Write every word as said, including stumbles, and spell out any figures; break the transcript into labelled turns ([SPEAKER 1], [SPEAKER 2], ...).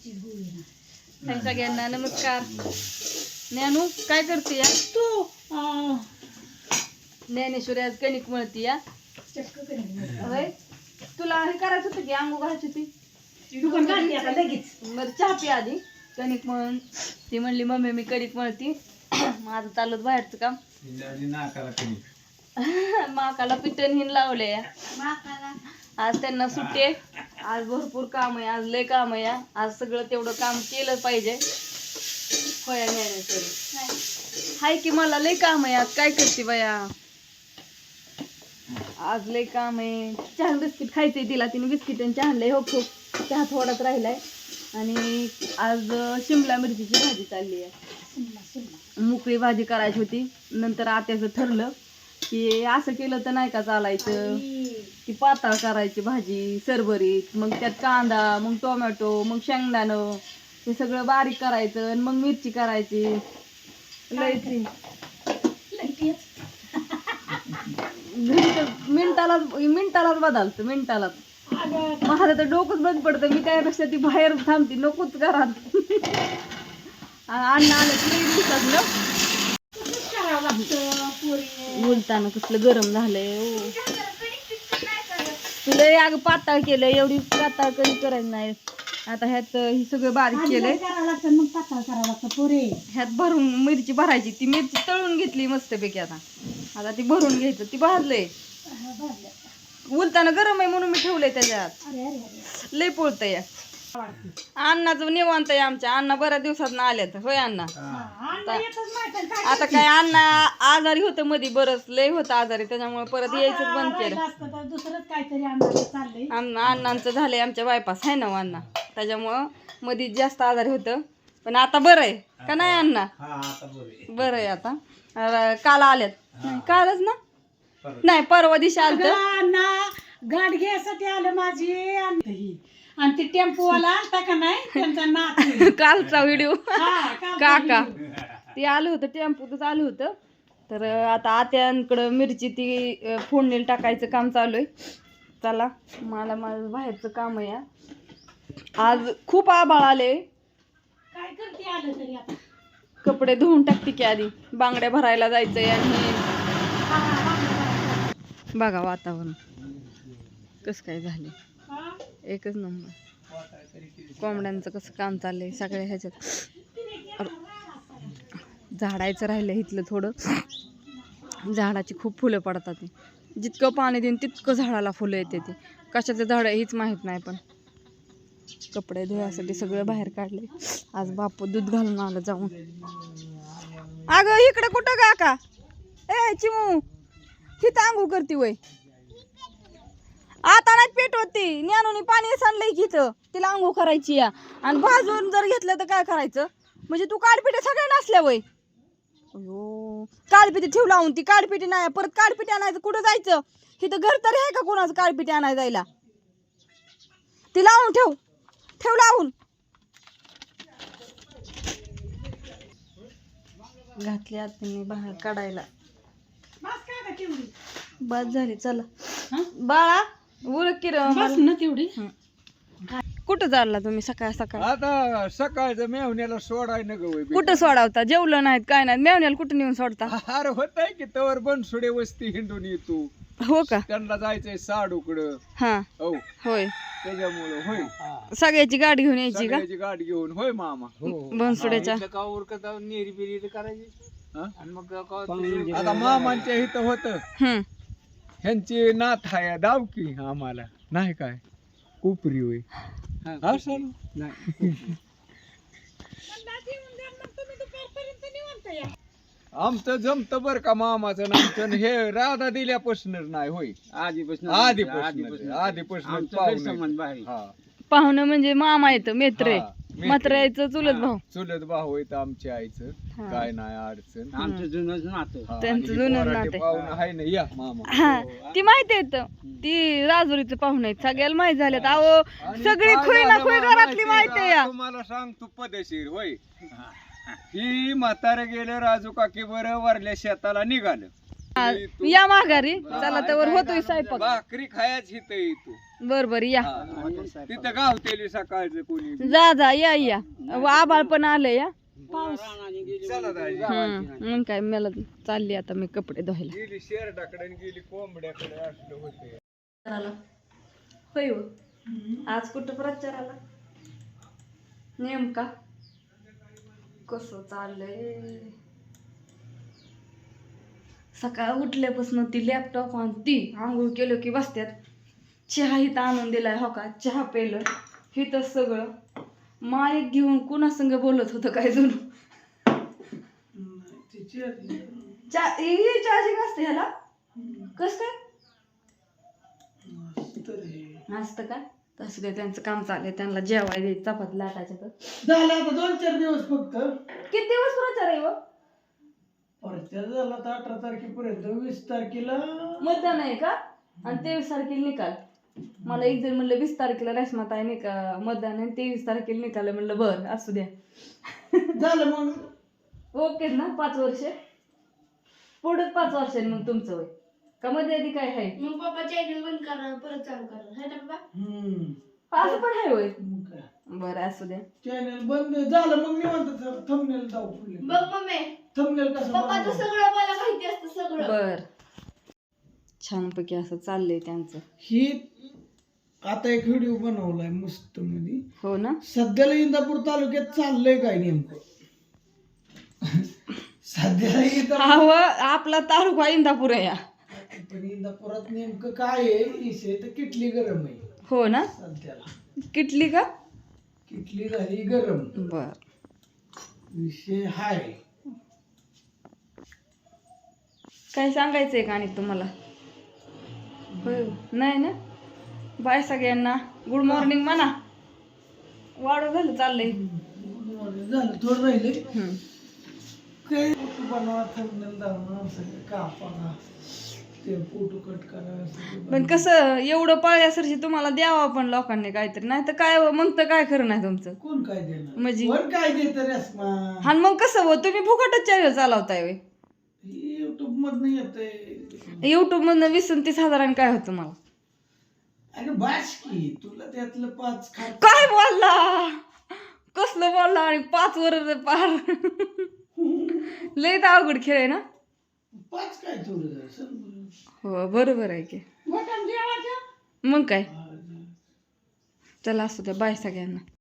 [SPEAKER 1] हाय सगळ्यांना नमस्कार. ज्ञानू काय करते या तू? ज्ञानेश्वरी आज कणिक मळती या. होय तुला हे करायचं होतं की आंघोळ घालायची होती बरं चहा पी आधी. कणिक मळून ती म्हणली मम्मी मी कणिक मळती. माझं चालत बाहेरचं काम. माकाला पिटन हिन लावले आज त्यांना सुट्टी आहे. आज भरपूर काम आहे. आज लय काम आहे. आज सगळं तेवढं काम केलं पाहिजे. होय ज्ञानेश्वरी हाय की मला लय काम आहे. आज काय करते बाया आज लय काम आहे. चहा बिस्किट खायचंय तिला. तिने बिस्किट चहा आणलंय. हो खूप चहा थोडाच राहिलाय. आणि आज शिमला मिरचीची भाजी चालली आहे. मोकळी भाजी करायची होती. नंतर आत्याचं ठरलं की असं केलं तर नाही का चालायचं. ती पातळ करायची भाजी सरभरीत. मग त्यात कांदा मग टोमॅटो मग शेंगदाणं हे सगळं बारीक करायचं. आणि मग मिरची करायची. लय मिनिटाला मिनिटालाच बदलतं मिनिटालाच. माझं तर डोकंच बंद पडतं. मी त्यापेक्षा ती बाहेर थांबते नकोच घरात. अन्न आलं की दिसत ना बोलताना कसलं गरम झालंय. तुला अगं पातळ केलं. एवढी पातळ कधी करायचं नाही. आता ह्यात ही सगळं बारीक केलंय. मग पातळ करावं लागतं पुरे. ह्यात भरून मिरची भरायची. ती मिरची तळून घेतली मस्तपैकी. आता आता ती भरून घ्यायचं. ती भाजलंय बोलताना गरम आहे म्हणून मी ठेवलंय त्याच्यात. लय पोळतंय. अण्णाचं निवांत आहे आमच्या. अण्णा बऱ्याच दिवसात आल्यात. होय अण्णा आता काय अण्णा आजारी होतं मध्ये बरंच लय होतं आजारी. त्याच्यामुळे परत यायचंच बंद केलं. अण्णांचं झालंय आमच्या बायपास आहे ना अण्णा. त्याच्यामुळं मध्ये जास्त आजारी होतं. पण आता बरं आहे का नाही अण्णा? बरं आहे आता. काल आल्यात कालच ना नाही परवा दिवशी आलं
[SPEAKER 2] गाठ घ्यायसाठी आलं माझी. आणि ते टेम्पोवाला आलता का नाही त्यांचा नात
[SPEAKER 1] कालचा व्हिडिओ काका ते आलं होतं. टेम्पोतच आलं होतं. तर आता आत्यांकडं मिरची ती फोडणीला टाकायचं काम चालू आहे. चला मला माझं बाहेरचं काम आहे. आज खूप आभाळ आले.
[SPEAKER 2] काय करते आलं तरी आता
[SPEAKER 1] कपडे धुवून टाकते की आधी. बांगड्या भरायला जायचंय. आणि बघा वातावरण कसं काय झाले. एकच नंबर. कोंबड्यांचं कसं काम चाललंय सगळ्या ह्याच्यात. झाडायचं राहिलं इथलं थोडं. झाडाची खूप फुलं पडतात. जितकं पाणी देईन तितकं झाडाला फुलं येते. ते कशाचं झाड हीच माहीत नाही. पण कपडे धुवायसाठी सगळं बाहेर काढले. आज बापू दूध घालून आलं जाऊन. अगं इकडे कुठं का का ए चिमू ही तांगू करते वय. आता नाही पेट होती. ज्ञानूनी पाणी सांडलंय की इथं. तिला आंघोळ करायची या. आणि भाजून जर घेतलं तर काय करायचं. म्हणजे तू काळपिटे सगळ्या नसल्या वय. अयो काळपिटी ठेव लावून. ती काळपिटी नाही परत काळपिटी आणायचं कुठं जायचं. इथं घर तरी आहे का कोणाचं काळपिटी आणायला जायला. ती लावून ठेव ठेव लावून. घातली आत्याने बाहेर काढायला. बस झाली चला बाळा उरक की
[SPEAKER 2] ना तेवढी.
[SPEAKER 1] कुठं चालला तुम्ही सकाळ सकाळ?
[SPEAKER 3] आता सकाळचं मेवण्याला सोडाय न गं.
[SPEAKER 1] कुठं सोडावता? जेवलं नाहीत काय नाही. मेवण्याला कुठं नेऊन सोडता?
[SPEAKER 3] अरे होत आहे की तवर बनसुडे वस्ती हिंडून येतो.
[SPEAKER 1] हो का?
[SPEAKER 3] त्यांना जायचंय साडूकडं.
[SPEAKER 1] हा
[SPEAKER 3] हो
[SPEAKER 1] होय.
[SPEAKER 3] त्याच्यामुळं होय
[SPEAKER 1] सगळ्याची गाडी घेऊन यायची का?
[SPEAKER 3] सगळ्याची गाडी घेऊन होय मामा.
[SPEAKER 1] बनसुड्याच्या
[SPEAKER 3] आता मामांच्या इथं होत.
[SPEAKER 1] हम्म
[SPEAKER 3] ह्यांची नाथ आहे दाव की आम्हाला नाही काय कोपरी होय असं नाही. आमचं जमत बर का मामाचं नामचं. हे राधा दिल्यापासूनच नाही होय. आधीपासून आधीपासून आधीपासून
[SPEAKER 1] पाहुणं म्हणजे मामा येतं मित्र आहे. मात्र यायचं चुलत भाऊ.
[SPEAKER 3] चुलत भाऊ येत आमच्या आईचं. काय नाही अडचण.
[SPEAKER 2] आमचं जुनंच नातं.
[SPEAKER 1] त्यांचं जुनं नातं
[SPEAKER 3] पाहुणं आहे ना या मामा.
[SPEAKER 1] हा ती माहिती येत. ती राजुरीचं पाहुणे आहेत सगळ्याला माहित झाल्यात. अहो सगळी खुई ना खुई घरातली माहिती आहे या.
[SPEAKER 3] तुम्हाला सांगतो पदेशीर होय. ही म्हातारे गेले राजू काकी बरं वरल्या शेताला निघालं.
[SPEAKER 1] हा, या माघारी चला तर होतोय स्वयंपाक.
[SPEAKER 3] भाकरी खायच इथं येतो.
[SPEAKER 1] बर बर या.
[SPEAKER 3] तिथं गावतेली सकाळचं कोणी
[SPEAKER 1] जा जा या या आबाळ पण आलंय या.
[SPEAKER 3] चला दाजी.
[SPEAKER 1] हम्म मग काय मला चालली आता मी कपडे धुवायला.
[SPEAKER 3] गेली शेरडाकडे आणि गेली कोंबड्याकडे असलं होते.
[SPEAKER 1] होय हो. आज कुठं प्रचाराला नेमका कसं चाललंय. सकाळ उठल्यापासून ती लॅपटॉप आणि ती आंघोळ केलं की बसत्यात. चहा इथं आणून दिलाय हो का, चहा पेलं हिथं सगळं माईक घेऊन कुणा संग बोलत होतं काय जणू. चार्जिंग असते ह्याला कस काय असतं का. तसं काय त्यांचं काम चाललंय, त्यांना जेवाय द्यायचं चपाती लाटायचं. तर
[SPEAKER 2] झालं आता दोन चार दिवस फक्त.
[SPEAKER 1] किती दिवस प्रचार आहे हो.
[SPEAKER 2] प्रचार झाला तर अठरा तारखेपर्यंत. वीस तारखेला
[SPEAKER 1] मतदान आहे का आणि तेवीस तारखेला निकाल. मला एक जण म्हणलं वीस तारखेला रेशमात आहे निका मतदान आहे, तेवीस तारखेला निकाल आहे. म्हणलं बर असू द्या.
[SPEAKER 2] झालं मग
[SPEAKER 1] ओके ना. पाच वर्ष पुढे पाच वर्षांनी मग तुमचं वय का मध्ये आधी काय आहे.
[SPEAKER 4] मग पप्पा चॅनल बंद करणार परत चालू करणार है ना पप्पा.
[SPEAKER 2] हम्म
[SPEAKER 1] असं पण आहे होय.
[SPEAKER 2] मग काय
[SPEAKER 1] बरं असू द्या.
[SPEAKER 2] चॅनल बंद झालं मग निवांत थंबनेल जाऊ पुढे.
[SPEAKER 4] बघ मम्मी
[SPEAKER 2] थंबनेल कसं
[SPEAKER 4] पप्पाचं
[SPEAKER 2] बनवायचं?
[SPEAKER 4] सगळं मला माहिती असतं सगळं.
[SPEAKER 1] बर छानपैकी असं चाललंय त्यांचं.
[SPEAKER 2] ही आता एक व्हिडिओ बनवलाय मस्त मध्ये.
[SPEAKER 1] हो ना.
[SPEAKER 2] सध्याला इंदापूर तालुक्यात चाललंय काय नेमकं. सध्याला इंदापूर
[SPEAKER 1] हा व आपला तालुका इंदापूर आहे या.
[SPEAKER 2] पण इंदापुरात नेमकं काय आहे विषय तर किटली गरम आहे
[SPEAKER 1] हो ना.
[SPEAKER 2] सध्याला.
[SPEAKER 1] किटली का.
[SPEAKER 2] किटली झाली गरम.
[SPEAKER 1] बर
[SPEAKER 2] विषय हाय.
[SPEAKER 1] काय सांगायचंय का आणि तुम्हाला. होय नाही ना. बाय सगळ्यांना. गुड मॉर्निंग म्हणा. वाढू झालं चाललंय.
[SPEAKER 2] झालं थोडं राहिले.
[SPEAKER 1] हम्म.
[SPEAKER 2] काही फोटो बनवा थंबनेल दाखवा सगळं कापा ते फोटो कट करा सगळं
[SPEAKER 1] पण कसं एवढं पाळल्यासारखी तुम्हाला द्यावं पण लोकांनी काहीतरी, नाही तर काय मग तर काय खरं नाही तुमचं.
[SPEAKER 2] कोण काय देणार
[SPEAKER 1] म्हणजे
[SPEAKER 2] कोण काय देत रेस्मा.
[SPEAKER 1] आणि मग कसं हो तुम्ही फुकटच चॅनल चालवताय वे.
[SPEAKER 2] युट्यूब मधनं येतंय.
[SPEAKER 1] युट्यूब मधनं वीस आणि तीस हजारांनी काय होतं मला.
[SPEAKER 2] अरे बास की तुला त्यातलं पाच खा.
[SPEAKER 1] काय बोलला कसलं बोलला आणि पाच वर पार लय तर अवघड खेळ आहे ना.
[SPEAKER 2] पाच काय थोडं सर.
[SPEAKER 1] हो बरोबर आहे की.
[SPEAKER 2] मटण जेवायचं.
[SPEAKER 1] मग काय. चला असू द्या. बाय सगळ्यांना.